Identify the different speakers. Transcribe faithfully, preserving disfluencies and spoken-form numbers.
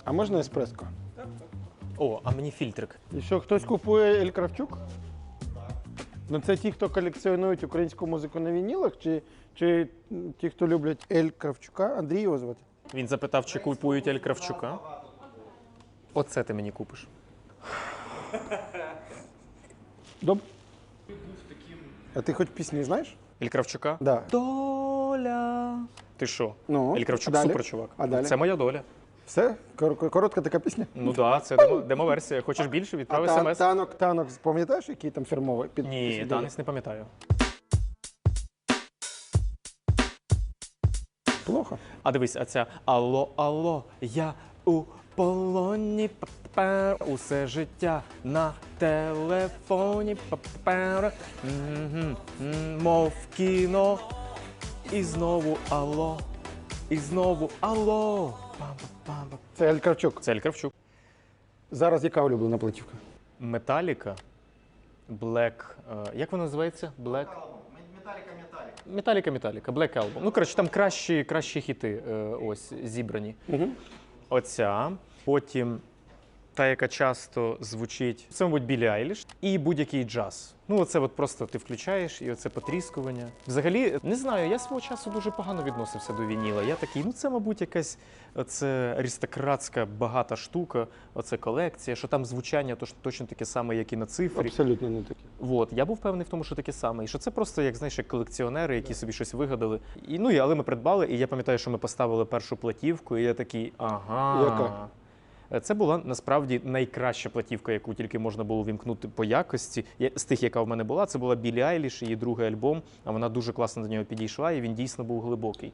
Speaker 1: А можна еспреско?
Speaker 2: О, а мені фільтрик.
Speaker 1: І що, хтось купує Ель Кравчук? Ну це ті, хто колекціонують українську музику на вінілах, чи, чи ті, хто люблять Ель Кравчука? Андрій його звати?
Speaker 2: Він запитав, чи купують Ель Кравчука. Оце ти мені купиш.
Speaker 1: Добре. А ти хоч пісні знаєш?
Speaker 2: Ель Кравчука?
Speaker 1: Да.
Speaker 2: Доля. Ти що?
Speaker 1: Ну,
Speaker 2: Ель Кравчук
Speaker 1: а далі?
Speaker 2: супер чувак.
Speaker 1: А далі?
Speaker 2: Це моя доля.
Speaker 1: Все? Кор- Коротка така пісня?
Speaker 2: Ну так, да, це демо- демо-версія. Хочеш більше?
Speaker 1: А
Speaker 2: Відправ
Speaker 1: та-
Speaker 2: смс.
Speaker 1: танок, танок, пам'ятаєш, який там фірмовий? Під,
Speaker 2: Ні,
Speaker 1: під-
Speaker 2: танець не пам'ятаю.
Speaker 1: Плохо.
Speaker 2: А дивись, а ця алло, алло, я у полоні, папер, усе життя на телефоні, папер, мгм, м, мов кіно, і знову алло, і знову алло. Пам-пам-пам.
Speaker 1: Це Ель Кравчук.
Speaker 2: Це Ель Кравчук.
Speaker 1: Зараз яка улюблена платівка?
Speaker 2: Металіка, Блек, як вона називається? Блек? Металіка, Металіка, Black Album. Ну, коротше, там кращі, кращі хіти е, ось зібрані.
Speaker 1: Угу.
Speaker 2: Оця. Потім та, яка часто звучить, це, мабуть, Біллі Айліш. І будь-який джаз. Ну, оце от просто ти включаєш, і оце потріскування. Взагалі, не знаю, я свого часу дуже погано відносився до вініла. Я такий, ну це, мабуть, якась оце аристократська багата штука, оце колекція, що там звучання то, точно таке саме, як і на цифрі.
Speaker 1: Абсолютно не таке.
Speaker 2: От, я був впевнений в тому, що таке саме. І що це просто, як знаєш, як колекціонери, які собі щось вигадали. І, ну, і, але ми придбали, і я пам'ятаю, що ми поставили першу платівку, і я такий, ага.
Speaker 1: Яка?
Speaker 2: Це була насправді найкраща платівка, яку тільки можна було вімкнути по якості. Я- З тих, яка в мене була, це була Біллі Айліш, її другий альбом, а вона дуже класно до нього підійшла, і він дійсно був глибокий.